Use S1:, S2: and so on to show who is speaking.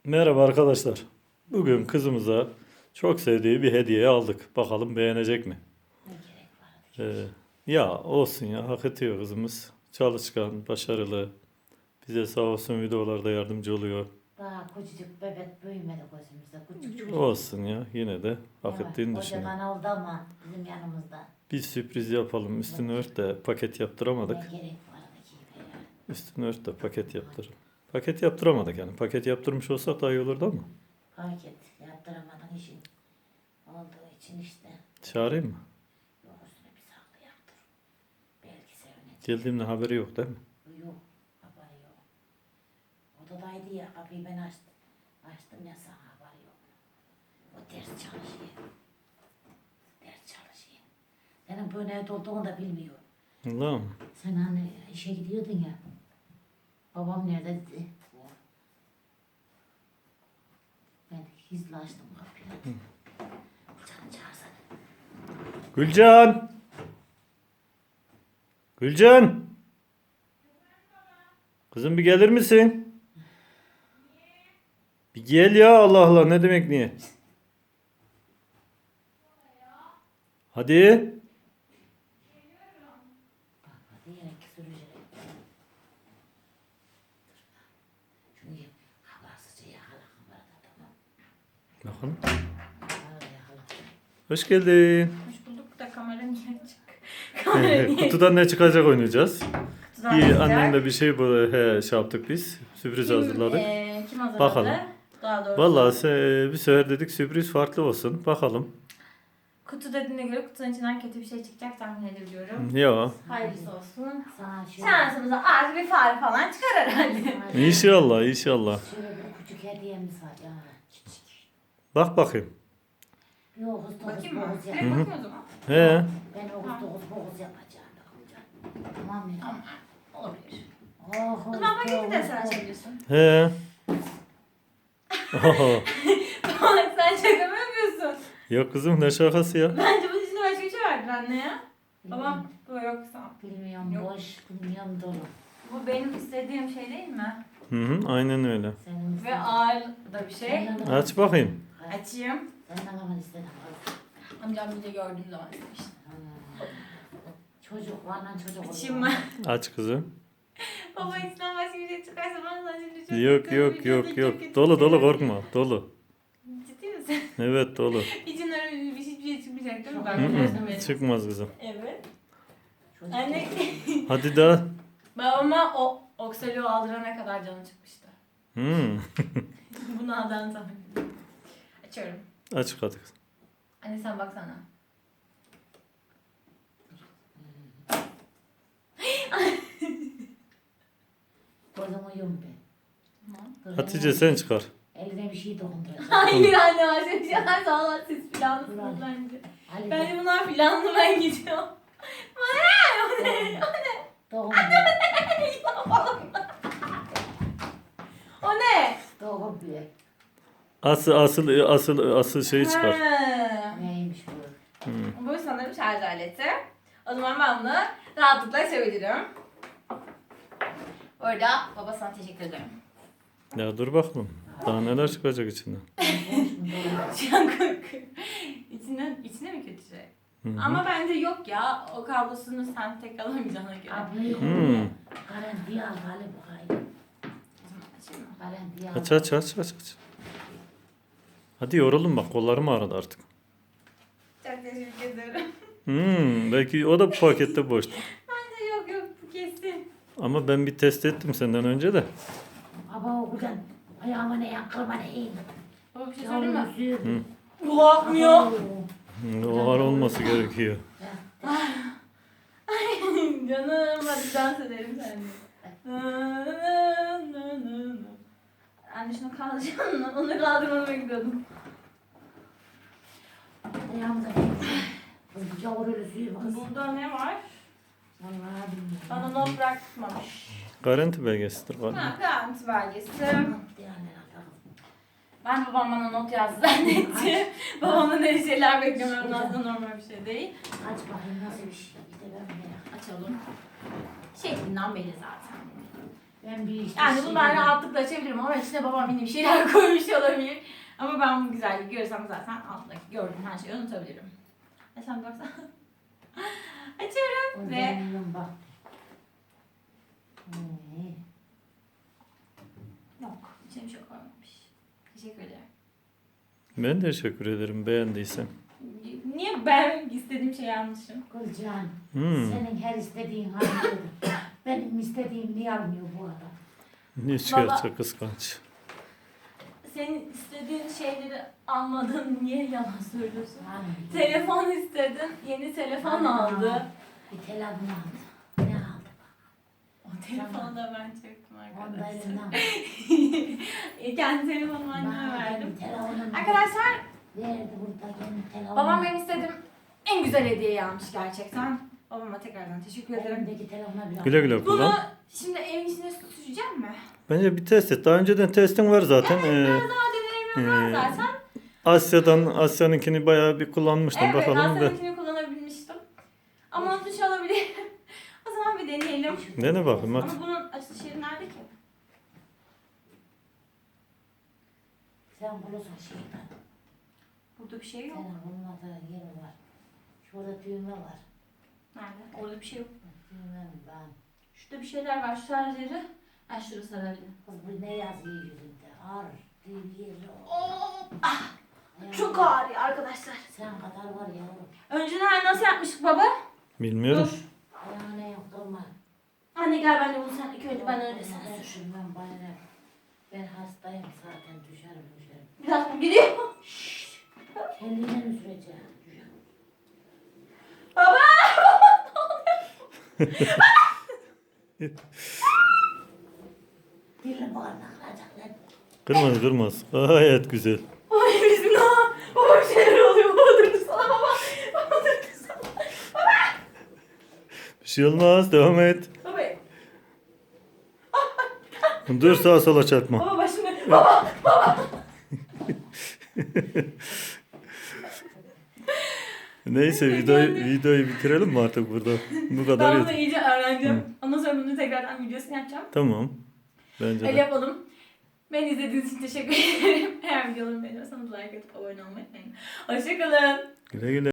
S1: Merhaba arkadaşlar. Bugün kızımıza çok sevdiği bir hediye aldık. Bakalım beğenecek mi?
S2: Ne gerek var?
S1: Ya olsun ya, hak ediyor kızımız. Çalışkan, başarılı. Bize sağ olsun videolarda yardımcı oluyor.
S2: Daha küçücük bebek büyümedi gözümüzde. Küçük çocuk.
S1: Olsun ya, yine de hak
S2: Evet,
S1: ettiğini düşünüyorum.
S2: kocaman oldu ama bizim yanımızda.
S1: Bir sürpriz yapalım. Üstünü ört de paket
S2: Ne
S1: yaptıramadık.
S2: gerek vardı ki be ya.
S1: Üstünü ört de paket yaptıralım. Paket yaptıramadık yani. Paket yaptırmış olsak daha iyi olurdu ama.
S2: Paket yaptıramadın işin olduğu için işte.
S1: Çağırayım mı?
S2: Yok üstüne bir saklı yaptır. Belki sevinecek.
S1: Geldiğimde haberi yok değil mi?
S2: Yok haberi yok. Odadaydı ya kapıyı ben açtım. Açtım ya sana haberi yok. O ders çalışıyor. Ders çalışıyor. Senin böyle evde olduğunu da bilmiyor.
S1: Allah'ım.
S2: Sen hani işe gidiyordun ya. Babam nerede dedi. Ben gizli açtım kapıyı. Canım çağırsana.
S1: Gülcan! Gülcan! Kızım bir gelir misin? Bir gel ya, Allah Allah, ne demek niye? Hadi.
S2: Bak hadi yine sürecek. Çünkü habersizce yakala kamerada tamam.
S1: Bakın.
S2: Kamerada yakala.
S1: Hoş geldin.
S3: Hoş bulduk da kamera niye açık? Kamera niye
S1: Kutudan ne çıkacak oynayacağız.
S3: kutudan
S1: İyi,
S3: çıkacak?
S1: annemle bir şey şey yaptık biz. Sürpriz hazırladık.
S3: Kim hazırladı?
S1: Bakalım.
S3: Daha doğrusu.
S1: Vallahi bir sefer dedik sürpriz farklı olsun. Bakalım.
S3: Kutu dediğine göre kutunun içinden kötü bir şey çıkacak tahmin edebiliyorum.
S1: Ya.
S3: Hayırlısı olsun.
S2: Sana
S3: Şansımıza az bir fare falan çıkar herhalde.
S1: İnşallah, inşallah.
S2: Şöyle bir küçük hediyemiz var ya.
S1: Bak bakayım.
S2: Bir Oğuz dokuz
S3: Bakayım mı?
S2: boğuz
S3: Direkt
S2: yap.
S3: bakayım o zaman.
S1: He.
S2: Ben Oğuz dokuz boğuz yapacağım. Tamam mı?
S3: Tamam. Olabilir.
S2: Oh,
S3: O zaman paketi de sen açabilirsin.
S1: He. Oho.
S3: Tamam sen şaka mı yapıyorsun?
S1: Yok kızım, ne şakası ya.
S3: Bence bunun içinde başka bir şey vardır anne ya. Babam bu yoksa.
S2: Bilmiyorum
S3: Yok.
S2: boş, bilmiyorum dolu.
S3: Bu benim istediğim şey değil mi?
S1: Hı hı, aynen öyle.
S2: Senin
S3: Ve ağır da bir şey.
S1: Aç bakayım.
S3: Açayım.
S2: Sen ne zaman istedin?
S3: Amcam bir de gördüğüm zaman istemiştim.
S2: Çocuk var lan çocuk.
S3: Açayım mı?
S1: Aç kızım.
S3: Baba içinden başka bir şey çıkarsa bana sen şimdi çok
S1: Yok
S3: kötü,
S1: yok
S3: videoda
S1: yok
S3: çok
S1: yok.
S3: kötü
S1: Dolu dolu,
S3: şeyler.
S1: korkma. Dolu.
S3: Ciddi misin?
S1: Evet, dolu.
S3: İçinden öyle bir şey çıkmayacak değil mi?
S2: Hı
S3: Ben
S1: Hı
S3: biliyorsun
S1: hı,
S3: beni.
S1: çıkmaz kızım.
S3: Evet.
S2: Çocuk.
S3: Anne
S1: Hadi daha.
S3: babama o oksaloğu aldırana kadar canı çıkmıştı.
S1: Hmm.
S3: Bunu aldan sonra. Açıyorum.
S1: Aç hadi kızım.
S3: Anne sen baksana.
S2: Gözümü yum be. Dur,
S1: Hatice
S2: eline-
S1: sen çıkar.
S2: Eline bir şey dokunduracak.
S3: Hayır anne başka bir şey var. Sağ olun siz planlısınız
S2: Ulan.
S3: bence.
S2: Ali
S3: Bence bunlar planlı ben gidiyorum.
S2: doğum
S3: O ne?
S2: doğum bir.
S1: Asıl şeyi çıkar.
S3: Ha.
S2: Neymiş bu?
S1: Hmm.
S3: Bu sanırım şarj aleti. O zaman ben bunu rahatlıkla açabilirim. Orada baba sana teşekkür ederim.
S1: Ya dur bakalım. Daha neler çıkacak içinden.
S2: Boş mu doğum?
S3: Şu an korkuyorum. İçine mi kötü şey?
S1: Hı hı.
S3: Ama bence yok ya. O kablosunu sen tek alamayacağına göre.
S2: Ablayı
S1: Hmm.
S2: koyuyor. Garantiye al hali bu hayır.
S3: O zaman açayım mı?
S2: Garantiye al.
S1: Aç. Hadi yorulun bak, kollarım ağrıdı artık.
S3: Çok teşekkür ederim.
S1: Belki o da bu pakette boştu.
S3: Bence yok bu kesin.
S1: Ama ben bir test ettim senden önce de.
S2: Baba okudan ayağıma ne yakkırma ne iyi.
S3: Baba bir şey söyleyeyim mi?
S2: Yavrum
S3: Bu akmıyor.
S1: O ağır olması gerekiyor.
S3: Canım hadi dans edelim seninle. Anne şunu kaldıracağım lan. Onu kaldırmamı bekliyordum.
S2: Ayağımıza kız bu yavrulu suyu kız.
S3: Burada ne var?
S2: Vallahi bilmiyorum.
S3: Bana not bırakmamış.
S1: Garanti belgesidir
S3: Ha,
S1: galiba.
S3: garanti belgesi.
S2: Yani Allah'ım.
S3: Ben babam bana not yazdı zannettim. Babamdan öyle şeyler beklemem lazım, normal bir şey değil.
S2: Aç bakayım nasıl bir şey. İşte ben merak.
S3: Açalım. Şeklinden belli zaten.
S2: Ben bir işte
S3: Yani
S2: şey
S3: bunu ben
S2: dedim.
S3: rahatlıkla açabilirim ama içine babam yine bir şeyler koymuş olabilir. Ama ben bu güzelliği görsem zaten altındaki gördüğüm her şeyi unutabilirim. Sen baksana. Açıyorum ve...
S2: Ve... Bak.
S3: Yok, içine bir şey koymamış. Teşekkür ederim.
S1: Ben de teşekkür ederim beğendiysen.
S3: Niye ben istediğim şeyi almışım?
S2: Kızcan,
S1: Hmm.
S2: senin her istediğin almıyor. Benim istediğim niye almıyor bu adam?
S1: Ne çıkartacak kıskanç.
S3: Senin istediğin şeyleri almadın, niye yalan söylüyorsun?
S2: Hani,
S3: Telefon istedin, yeni telefon aldı.
S2: bir telefon aldı. Ne aldı?
S3: O telefonu da ben çektim
S2: Onu da
S3: arkadaşlar.
S2: elimden
S3: Kendi telefonumu anneme
S2: bana
S3: verdim.
S2: kendi telefonumu
S3: Arkadaşlar,
S2: verdi burada kendi telefonumu.
S3: babam benim istediğim en güzel hediyeyi almış gerçekten. Babama tekrardan teşekkür ederim.
S2: Elimdeki telefona bile
S1: Güle güle
S3: Bunu
S1: kullan.
S3: şimdi evin içine süreceğim mi?
S1: Bence bir test et. Daha önceden testin var zaten.
S3: Biraz daha deneyimim var
S1: Ee,
S3: zaten.
S1: Asya'nınkini bayağı bir kullanmıştım.
S3: Evet,
S1: Bakalım da.
S3: Asya'nınkini kullanabilmiştim. Ama unutmuş olabilirim. O zaman bir deneyelim.
S1: Dene bakayım hadi.
S3: Ama bunun açılış yeri nerede ki?
S2: Sen bulursun şeyden.
S3: Burada bir şey yok.
S2: Senin bulmadığı yeri var. Şurada düğme var.
S3: Nerede? Orada bir şey yok.
S2: Düğme ben.
S3: Şurada bir şeyler var. Şu şarj yeri. Ha şurası herhalde.
S2: Kız bu ne yazıyor yüzünde? Ağır diye bir yeri o.
S3: Ah,
S2: Ayağına-
S3: çok ağrıyor arkadaşlar.
S2: Sen kadar var yavrum.
S3: Önceden nasıl yapmıştık baba?
S1: Bilmiyorum.
S3: Dur.
S2: Ayağına yok durma.
S3: Anne gel ben de bunu sen ilk önce ben öyle
S2: Ben
S3: sen sür.
S2: sürmem bana ne? Ben hastayım zaten düşerim.
S3: Biraz mı gidiyor?
S2: Kendine mi süreceğim?
S3: Baba!
S2: Dilin bağırma kıracak lan.
S1: Kırmaz kırmaz. Gayet güzel.
S3: Ay bismillah. Baba bir şeyler oluyor. Baba durdursana baba. Baba durdursana.
S1: Bir şey olmaz. Devam et.
S3: Baba.
S1: Dur sağa sola çarpma.
S3: Baba başımı. Baba.
S1: Neyse videoyu bitirelim mi artık burada? Bu kadar
S3: Ben bunu
S1: yeter.
S3: iyice öğreneceğim. Ondan sonra bunu tekrardan videosunu yapacağım.
S1: Tamam. Bence
S3: Öyle
S1: de.
S3: yapalım. Beni izlediğiniz için teşekkür ederim. Eğer videolarımı beğeniyorsanız like atıp abone olmayı unutmayın. Hoşçakalın.
S1: Güle güle.